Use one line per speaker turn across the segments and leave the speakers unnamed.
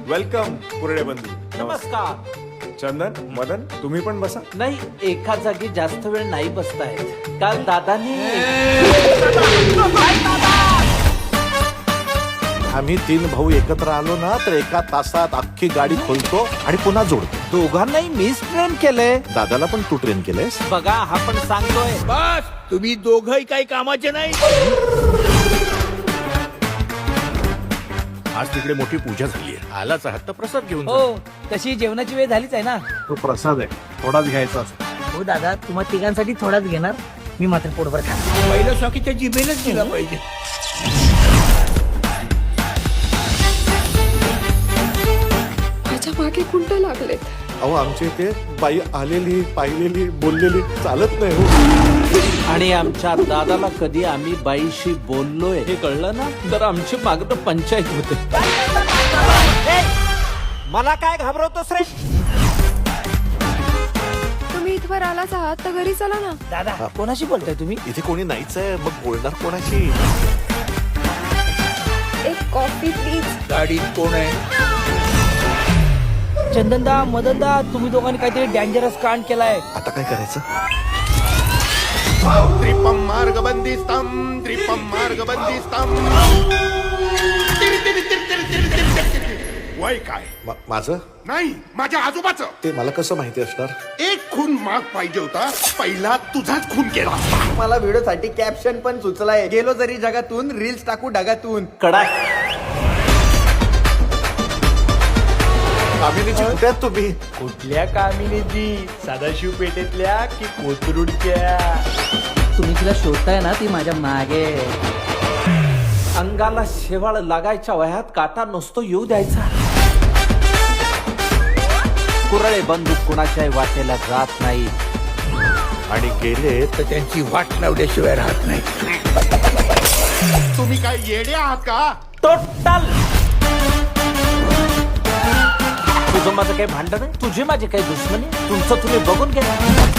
Welcome कुरडे बंधू.
नमस्कार.
चंदन, मदन, तुम्ही पण बसा.
नाही, एका जागी जास्त वेळ नाही बसतायत. काल दादाने
आम्ही 3 भाऊ एकत्र आलो ना तर एका तासात अख्खी गाडी खोलतो आणि पुन्हा जोडतो.
दोघांनाही मीच ट्रेन केलंय.
दादाला पण तू ट्रेन केलंयस.
बघा, हा पण सांगतोय.
बस तुम्ही दोघही काही कामाचे नाही.
आज तिकडे मोठी पूजा झाली आहे. आलाच आहात तर प्रसाद घेऊन जा.
हो, तशी जेवणाची वेळ झालीच आहे ना.
तो प्रसाद आहे, थोडाच घ्यायचा असतो.
हो दादा, तुम्हा तिघांसाठी थोडाच घेणार, मी मात्र पोटभर खाणार.
पहिलं स्वाकीच्या जिभेनच दिला पाहिजे.
माझ्या मागे कुंड लागलेत.
अहो आमच्या इथे बाई आलेली पाहिलेली बोललेली चालत नाही हो.
आणि आमच्या दादाला कधी आम्ही बाईशी बोललोय हे कळलं ना तर आमची मागणं पंचायत होते. मला काय घाबरवतोस रे?
तुम्ही इथवर आलाच आहात तर घरी चला ना.
दादा, कोणाशी बोलताय तुम्ही?
इथे कोणी नाहीच आहे, मग बोलणार कोणाशी?
एक कॉफी प्लीज.
गाडीत कोण आहे?
चंदनदा, मदनदा, तुम्ही दोघांनी काहीतरी डेंजरस कांड केलाय.
आता काय करायचं?
त्रिपम मार्गबंदिस्तम त्रिपम मार्गबंदिस्तम. वय काय?
माझं
नाही, माझ्या आजोबाचं.
ते मला कसं माहिती असणार?
एक खून माग पाहिजे होता, पहिला तुझाच खून केला.
मला व्हिडिओसाठी कॅप्शन पण सुचलाय. गेलो जरी जगातून, रील्स टाकू ढगातून.
कडाक.
कामिनीची कुठे आहात तुम्ही?
कुठल्या कामिनीची? सदाशिव पेठेतल्या की कोथरूडच्या?
तुम्ही तिला शोधताय ना, ती माझ्या मागे.
अंगाला शेवाळ लागायच्या वयात काटा नसतो येऊ द्यायचा. कुरळे बंदूक कुणाच्याही वाटेला जात नाही.
आणि गेले
तर त्यांची वाट लावल्याशिवाय राहत नाही.
तुम्ही काय येडे आहात का?
टोटल. तुझं माझं काही भांडण आहे? तुझी माझी काही दुश्मनी? तुमचं तुम्ही बघून घ्या.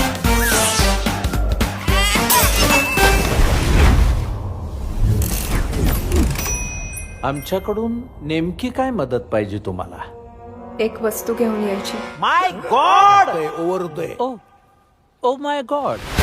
आमच्याकडून नेमकी काय मदत पाहिजे तुम्हाला?
एक वस्तू घेऊन यायची.
माय गॉड.
ओव्हर होतोय.
Oh my God.